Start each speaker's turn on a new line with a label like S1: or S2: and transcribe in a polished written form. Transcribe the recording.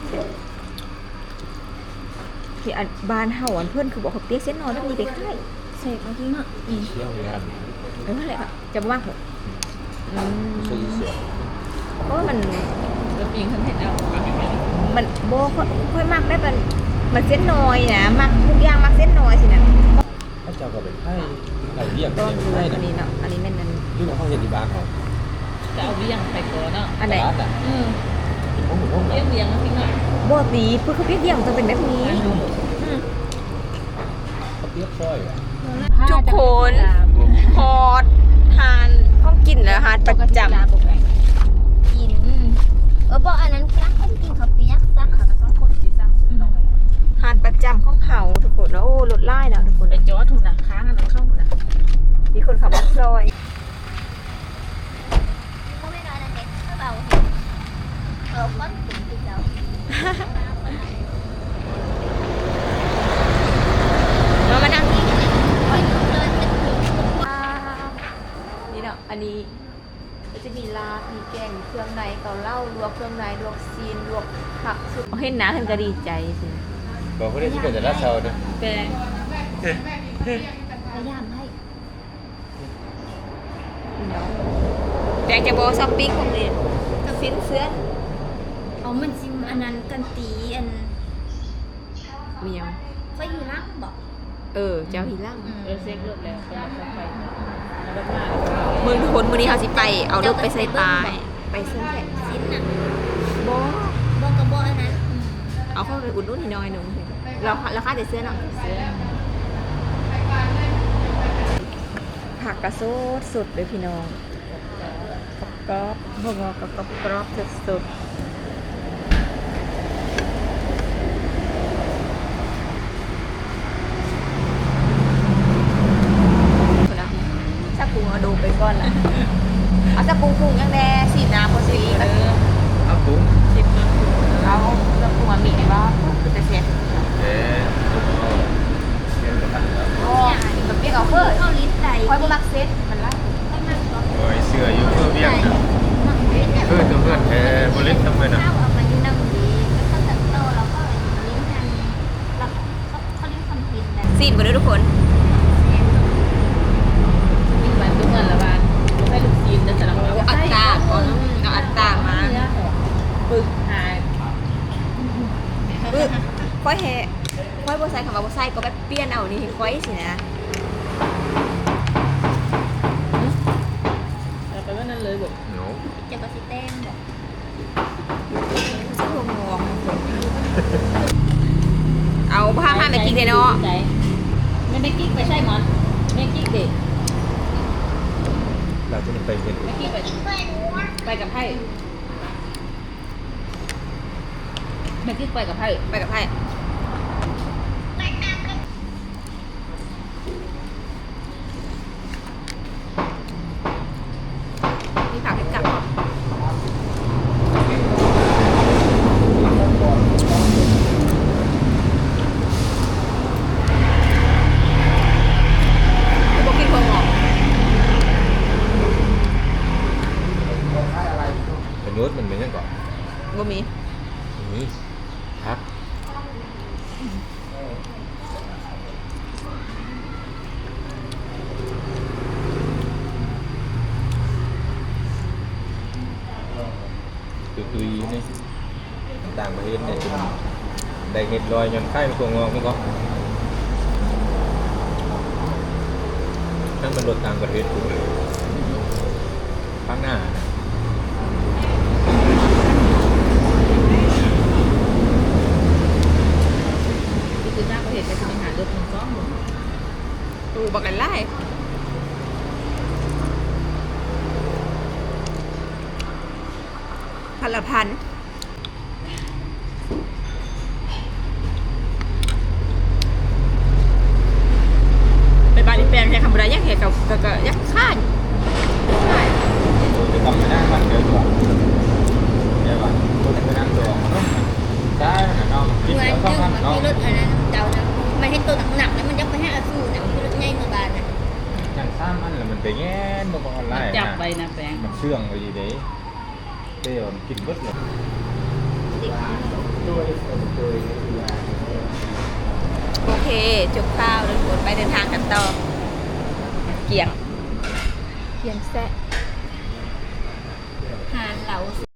S1: ที่บ้านเฮาเพื่อนคือบอกเขาเปียกเส้นนอนแล้วมีไปค่ายเสกมาที่เนาะ
S2: เชี่ยวงาน
S1: นั่นแหละจะว่างเหรอ
S2: ซื้อเสีย
S1: เพราะว่ามัน
S3: แล้วปิงฉันเห็นแล้ว
S1: มันโบค่อยมากได้มันเส้นน้อยนะมักทุกอย่างมักเส้นน้อยสินะ
S2: ถ้าเจ้าก็เป็นให้เราเรียก
S1: ก็
S2: เป็น
S1: ดู
S2: ให้
S1: อันนี้เนาะอันนี้แม่นนั้น
S2: ยุ่งกับห้องเย็นที่บ้านเขา
S3: จะเอาเบี้ยงไปก่อนเนาะ
S1: อันไหน
S2: ร้านอ่ะ
S3: อืม
S2: ห้องหมูห้อง
S3: เบี้ยงเบี้ยงนะพี่หน่อย
S1: โบตีเพื่อเขาเปียกเยี่ยมจะเป็นแบบนี้
S2: เขาเปียกซอยอ่ะ
S1: ทุกคนฮอดทานห้องกินแล้วฮาดประจำ
S4: กินบอกอันนั้นรักต้องกินข้าวเปียกซักค่ะมันต้องคนสีซักสุดหน่อย
S1: ทานประจำของเขาทุกคนแล้วโอ้รถไล่แล้วทุกคน
S3: ไปจอดถูกนะค้างอันนั้นเข้าถูกนะ
S1: มีคนขับรถซอย
S4: ก็ไม่น้อยนะเด็กถ้าเราก้อนถึงติดแล้ว
S1: เรามานั่งนี่
S4: ค่อยเดินเป็นถึง
S1: นี่เนาะอันนี้ก็จะมีลาบมีแกงเครื่องในเกาเหล้าลวกเครื่องในลวกซีนลวกผักสุดเห็นนะเห็นก็ดีใจสิ
S2: บอกเขาได้ที่เกิดจากราชาวนะ
S3: แปลง
S4: พยายามให้
S1: เนาะแต่จะบอกช้อปปิ้งของเรียนก็ฟินเสื้อ
S4: เอามันซิมอันนั้นกันตีอัน
S1: มียัง
S4: ค่อยอยู่ล่างบอก
S1: เจ้าฮีร่าง
S3: เซ็กรถแล้วก็แล้วไปแล้วมา
S1: มือทุกคนมือนี้เขาสิไปเอารถไปใส่ปลายไปเส้นแผ่น
S4: ซิมน่ะ
S1: บอ
S4: บอกกับบอกอันนั้น
S1: เอาเข้าไปอุ่นนุ่นนิดหน่อยหนึงเราราคาแต่เสื้อเนาะ
S3: เสื้อ
S1: ผักกระโซดสุดเลยพี่น้องกรอบพวกเรากับกรอบสุดสักปรุงเอาดูไปก่อนละเอาสักปรุงยังแน่สีน้ำพอสี
S2: เอาตุ้ง
S3: สิบต้น
S1: เอาสักปรุงมีไหมว่าคือจะเช็ด
S2: เอ๊ะเรียนกับท่านแล้ว
S1: โอ้แบบเปียกเอาเพิ่ม
S4: เข้าลิ้นใด
S1: คอยบุมักเซ็ตมันละ
S4: ต้องนั่งก่อน
S2: โอ้ยเสื้ออยู่เพื่อเบี้ยงนะ
S4: นั่งลิ้นเนี่ย
S2: เพื่อนตัวเพื่อนบริษัททำไมนะ
S4: ข้าวเอามาอยู่นั่งดีแล้วก็ตัดโตแล้วก็ลิ้นทันแล้วเขาลิ้นคอนฟินนะ
S1: ซีนหมดเลยทุกคน
S3: วิ่งไปทุกวันละวันให้ลูกทีมจะสลับ
S1: เอาอัตตาก่อนเอาอัตตามา
S3: ปึกหาย
S1: ค่อยแห่ค่อยบัวไซคำว่าบัวไซก็แบบเปลี่ยนเอานี่ค่อยสินะ
S3: แล้วไปว่านั่นเลยบอก
S2: หนู
S4: จะกระสิแต้มบอก
S1: สักหัวงองเอาผ้าผ้าไปกินเลยเนาะ
S3: ไม่ได้กิ๊กไปใช่หมอนไม่กิ๊กเด็ก
S2: เราจะไปเห็น
S3: ไม่กิ๊กไปกับไพ่ไม่กิ๊กไปกับไพ่
S1: ไปกับไพ่มีผักให้กลับเหรอไม่บอกกินเพิ่งหรอก
S2: เป็นนู้ดมันเป็นยังก่อน
S1: บ่มี
S2: นี่พักตุยๆนี่ต่างประเทศเนี่ยจะได้เห็ดลอยยนต์ไข่เป็นตัวงอกนี่ก็ทั้งมันรถต่างประเทศกูข้างหน้า
S3: คือหน้าประเทศไปทำอาหารรถมันซ้อมหมด
S1: ดูบักกันไล่พันละพันไปบาลีแปลงใช้คำบรายยักษ์เหตุกับยักษ์ข้าน
S2: จะกลับมาได้วันเดียวก่อนเดี๋ยวก่อนตัวจะนั่งตัวได้นะน้องกิน
S4: เหมือน
S2: แล้ว
S4: เรื่
S2: ก็
S4: อง
S2: ทำ
S4: ของ
S2: น้อง
S4: ที่รถอันนั้นเจ้านะมันให้ตัวหนักๆแล้วมันยักไปให้อาสู้นะที่รถง่ายเมื่อบานนะ
S2: อย่างซ้ำมันแล้วมันไปแง่นมาบอกอะไร
S3: จับไปนะแปลง
S2: มันเชื่องเลยดีเด้เต้มันกินเบิดเลย
S4: เด็ก
S2: ด้วย
S1: จบข้าวแล้วทุกคนไปเดินทางกันต่อเกียงแซะหาดเหลา